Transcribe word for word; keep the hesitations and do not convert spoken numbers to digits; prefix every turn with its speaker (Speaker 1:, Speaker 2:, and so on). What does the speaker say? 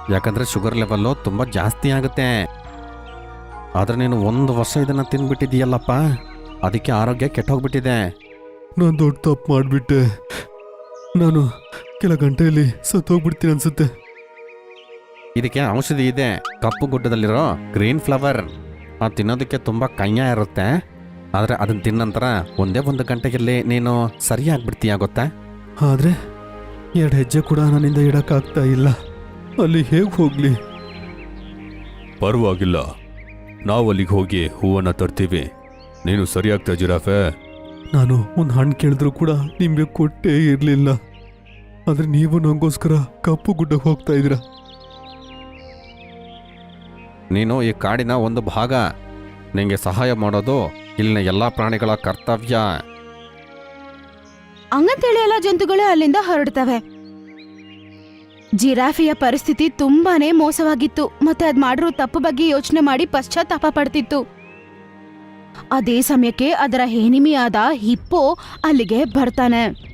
Speaker 1: ಯಾಕಂದರೆ sugar level ತುಂಬ ಜಾಸ್ತಿ ಆಗುತ್ತೆ. ಆದರೆ ನೀನು ಒಂದು ವರ್ಷ ಇದನ್ನು ತಿಂದ್ಬಿಟ್ಟಿದೀಯಲ್ಲಪ್ಪ, ಅದಕ್ಕೆ ಆರೋಗ್ಯ ಕೆಟ್ಟೋಗ್ಬಿಟ್ಟಿದೆ.
Speaker 2: ನಾನು ದೊಡ್ಡ ತಪ್ಪು ಮಾಡಿಬಿಟ್ಟೆ. ನಾನು ಕೆಲ ಗಂಟೆಯಲ್ಲಿ ಸತ್ತೋಗ್ಬಿಡ್ತೀನಿ ಅನ್ಸುತ್ತೆ.
Speaker 1: ಇದಕ್ಕೆ ಔಷಧಿ ಇದೆ, ಕಪ್ಪು ಗುಡ್ಡದಲ್ಲಿರೋ ಗ್ರೀನ್ ಫ್ಲವರ್. ಅದು ತಿನ್ನೋದಕ್ಕೆ ತುಂಬ ಕಯ್ಯ ಇರುತ್ತೆ, ಆದರೆ ಅದನ್ನು ತಿನ್ನ ನಂತರ ಒಂದೇ ಒಂದು ಗಂಟೆಯಲ್ಲಿ ನೀನು ಸರಿಯಾಗ್ಬಿಡ್ತೀಯ ಗೊತ್ತಾ.
Speaker 2: ಆದರೆ ಎರಡು ಹೆಜ್ಜೆ ಕೂಡ ನನ್ನಿಂದ ಇಡಕ್ಕಾಗ್ತಾ ಇಲ್ಲ. ಅಲ್ಲಿ ಹೇಗೆ ಹೋಗ್ಲಿ?
Speaker 3: ಪರವಾಗಿಲ್ಲ, ನಾವು ಅಲ್ಲಿಗೆ ಹೋಗಿ ಹೂವನ್ನು ತರ್ತೀವಿ. ನೀನು ಸರಿಯಾಗ್ತಾ ಜಿರಾಫೆ.
Speaker 2: ನಾನು ಒಂದು ಹಣ್ಣು ಕೇಳಿದ್ರು ಕೂಡ ನಿಮಗೆ ಕೊಟ್ಟೇ ಇರಲಿಲ್ಲ. ಆದರೆ ನೀವು ನನಗೋಸ್ಕರ ಕಪ್ಪು ಗುಡ್ಡಕ್ಕೆ ಹೋಗ್ತಾ ಇದ್ದೀರಾ.
Speaker 1: ನೀನು ಈ ಕಾಡಿನ ಒಂದು ಭಾಗ. ನಿಂಗೆ ಸಹಾಯ ಮಾಡೋದು ಇಲ್ಲಿನ ಎಲ್ಲ ಪ್ರಾಣಿಗಳ ಕರ್ತವ್ಯ.
Speaker 4: ಹಂಗಂತೇಳಿ ಎಲ್ಲ ಜಂತುಗಳು ಅಲ್ಲಿಂದ ಹೊರಡ್ತವೆ. ಜಿರಾಫಿಯ ಪರಿಸ್ಥಿತಿ ತುಂಬಾನೇ ಮೋಸವಾಗಿತ್ತು, ಮತ್ತೆ ಅದ್ ಮಾಡಿರೋ ತಪ್ಪು ಬಗ್ಗೆ ಯೋಚನೆ ಮಾಡಿ ಪಶ್ಚಾತ್ತಾಪ ಪಡ್ತಿತ್ತು. ಅದೇ ಸಮಯಕ್ಕೆ ಅದರ ಹೆನಿಮಿಯಾದ ಹಿಪ್ಪೋ ಅಲ್ಲಿಗೆ ಬರ್ತಾನೆ.